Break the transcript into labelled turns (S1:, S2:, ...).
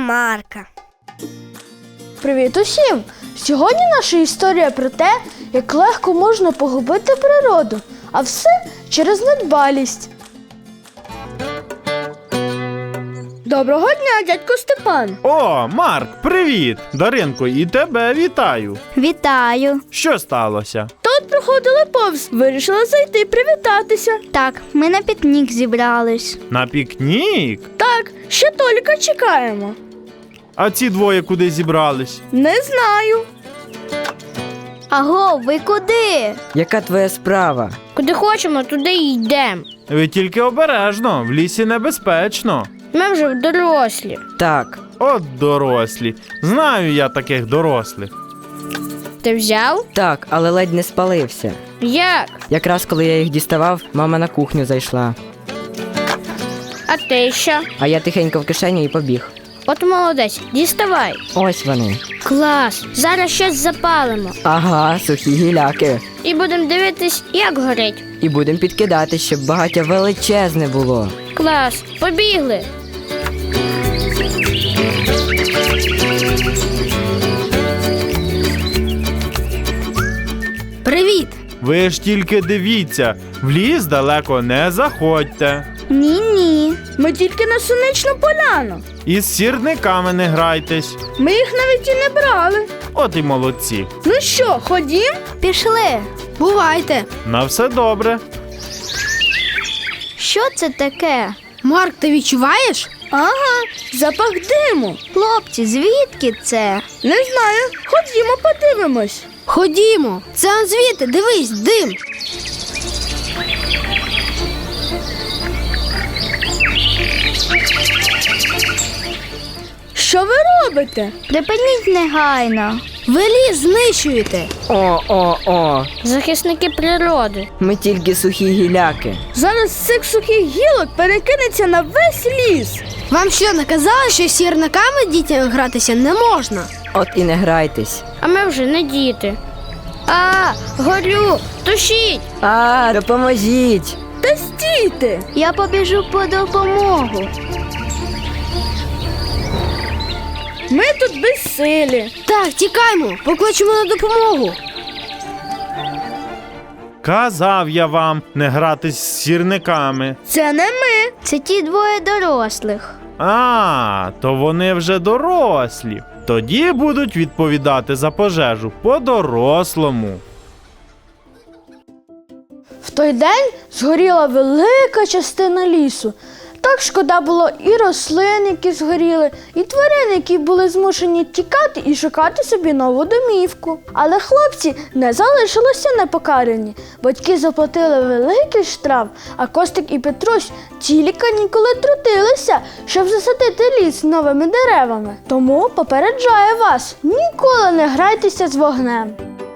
S1: Марка.
S2: Привіт усім! Сьогодні наша історія про те, як легко можна погубити природу, а все через недбалість. Доброго дня, дядько Степан!
S3: О, Марк, привіт! Даринко, і тебе вітаю.
S4: Вітаю.
S3: Що сталося?
S2: Тут проходили повз, вирішили зайти привітатися.
S4: Так, ми на пікнік зібрались.
S3: На пікнік?
S2: Так, ще Толіка чекаємо.
S3: А ці двоє куди зібрались?
S2: Не знаю.
S4: Аго, ви куди?
S5: Яка твоя справа?
S1: Куди хочемо, туди й йдемо.
S3: Ви тільки обережно, в лісі небезпечно.
S1: Ми вже дорослі.
S5: Так,
S3: От дорослі. Знаю я таких дорослих.
S1: Ти взяв?
S5: так, але ледь не спалився.
S1: Як?
S5: Якраз коли я їх діставав, мама на кухню зайшла.
S1: А ти що?
S5: А я тихенько в кишеню і побіг.
S1: От молодець, діставай.
S5: Ось вони.
S1: Клас, зараз щось запалимо.
S5: Ага, сухі гіляки.
S1: І будемо дивитись, як горить.
S5: І будемо підкидати, щоб багаття величезне було.
S1: Клас, побігли. Привіт.
S3: Ви ж тільки дивіться, в ліс далеко не заходьте.
S4: Ні-ні.
S2: Ми тільки на сонячну поляну.
S3: І з сірниками не грайтесь.
S2: Ми їх навіть і не брали.
S3: От і молодці.
S2: Ну що, ходім?
S4: Пішли.
S1: Бувайте.
S3: На все добре.
S4: Що це таке?
S1: Марк, ти відчуваєш?
S2: Ага, запах диму.
S4: Хлопці, звідки це?
S2: Не знаю, ходімо подивимось.
S1: Ходімо. Це он звідти, дивись, дим.
S2: Що ви робите?
S4: Припиніть негайно.
S1: Ви ліс знищуєте.
S5: О.
S1: Захисники природи.
S5: Ми тільки сухі гіляки.
S2: Зараз з цих сухих гілок перекинеться на весь ліс.
S1: Вам що, наказали, що з сірниками дітям гратися не можна?
S5: От і не грайтесь.
S1: А ми вже не діти. А, горю, тушіть.
S5: Допоможіть!
S2: Та стійте!
S4: Я побіжу по допомогу.
S2: Ми тут безсилі.
S1: Так, тікаймо, покличемо на допомогу.
S3: Казав я вам не гратись з сірниками.
S2: Це не ми.
S4: Це ті двоє дорослих.
S3: А, то вони вже дорослі. Тоді будуть відповідати за пожежу по-дорослому.
S2: В той день згоріла велика частина лісу. Так шкода було і рослин, які згоріли, і тварин, які були змушені тікати і шукати собі нову домівку. Але хлопці не залишилися непокарані. Батьки заплатили великий штраф, а Костик і Петрусь цілі канікули трудилися, щоб засадити ліс новими деревами. Тому попереджаю вас, ніколи не грайтеся з вогнем.